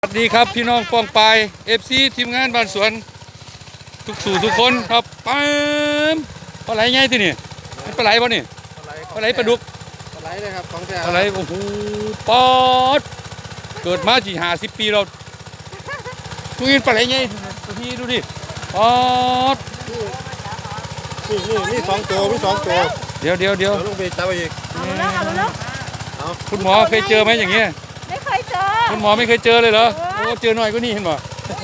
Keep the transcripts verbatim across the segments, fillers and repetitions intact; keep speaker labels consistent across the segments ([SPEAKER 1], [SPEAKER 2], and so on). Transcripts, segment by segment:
[SPEAKER 1] สวัสดีครับพี่น้องปองปายเอฟซีทีมงานบ้านสวนทุกสู่ทุกคนครับปั๊มปลาไหลไงที่นี่ปลาไหลป่ะนี่ปลาไหลปลาดุก
[SPEAKER 2] ปลาไหลเลยครับของแท้
[SPEAKER 1] ปลาไหลโอ้โหปอดเกิดมาสี่ห้าสิบปีเราทุกทีปลาไหลไงพี่ดูดิปอด
[SPEAKER 2] นี่นี่นี่สองตัวมีสองตัว
[SPEAKER 1] เดี๋ยวเดี๋ยวเดี๋ยว
[SPEAKER 2] ลงไปจับอีก
[SPEAKER 3] เอาแล้วเอาแล้ว
[SPEAKER 2] เอา
[SPEAKER 1] คุณหมอเคยเจอไหมอย่างเงี้ย
[SPEAKER 3] ไม่เคยเจอ
[SPEAKER 1] คุณหมอไม่เคยเจอเลยเหรอโอ้เจอหน่อยก็นี่เห็นป่ะ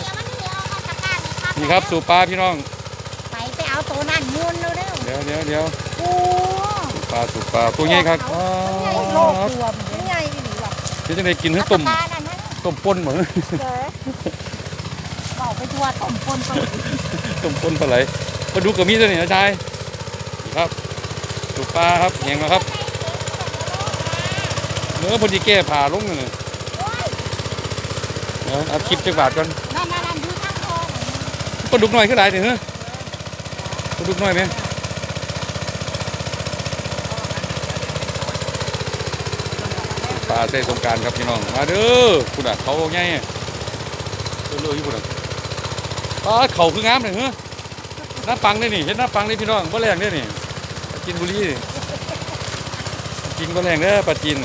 [SPEAKER 1] นี่ครับสู่ปลาพี่น้อง
[SPEAKER 3] ไปไปเอาตัวนั่นมูนเร็ว
[SPEAKER 1] เดี๋ยวเดี๋ยวเดี๋ยว
[SPEAKER 3] ๆโอ้
[SPEAKER 1] สู่ปลาสู่ปลาตัวใหญ่ครับปอ
[SPEAKER 3] โลก
[SPEAKER 1] ด
[SPEAKER 3] ตัวมันใหญ่อีหลีว่ะ
[SPEAKER 1] เดี๋ยวจะได้กินให้ต้ม
[SPEAKER 3] ปลานั่นนะ
[SPEAKER 1] ต้มป่นเหมือน
[SPEAKER 3] เด้อบอกไปทัวต้มปนต้ม
[SPEAKER 1] ต้มป่นปลาไหลมาดูกับมีดตัวนี้นะชายนี่ครับสู่ปลาครับแหงแล้วครับเนื้อพอดีแก้ผ่าลงเลยเดี๋ยวเอาคลิปจักบาทก่อน
[SPEAKER 3] นั่นนั่นนั่นดูข้างคอ
[SPEAKER 1] ปลาดุกหน่อยขึ้นหลายถึงเฮ้ยปลาดุกหน่อยไหมปลาใส่สงกรารครับพี่น้องมาเด้อคุณอ่ะเขาไงเรื่อยๆอยู่คุณอ่ะปลาเข่าคืองามเลยเฮ้ยหน้าปังได้นี่เห็นหน้าปังได้พี่น้องบ่แรงได้นี่ปลาจีนบุรีกินบ่แรงเด้อปลาจีน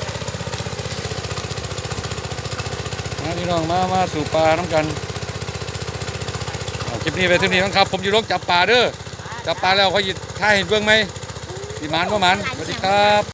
[SPEAKER 1] มาพี่น้องมามาสู่ปลาน้ำกันเอาคลิปนี้ไปเท่านี้ครับผมอยู่โรงจับปลาเด้อจับปลาแล้วเขาหยิบท่าเห็นเบื้องไหมสีมันว่ามันสวัสดีครับ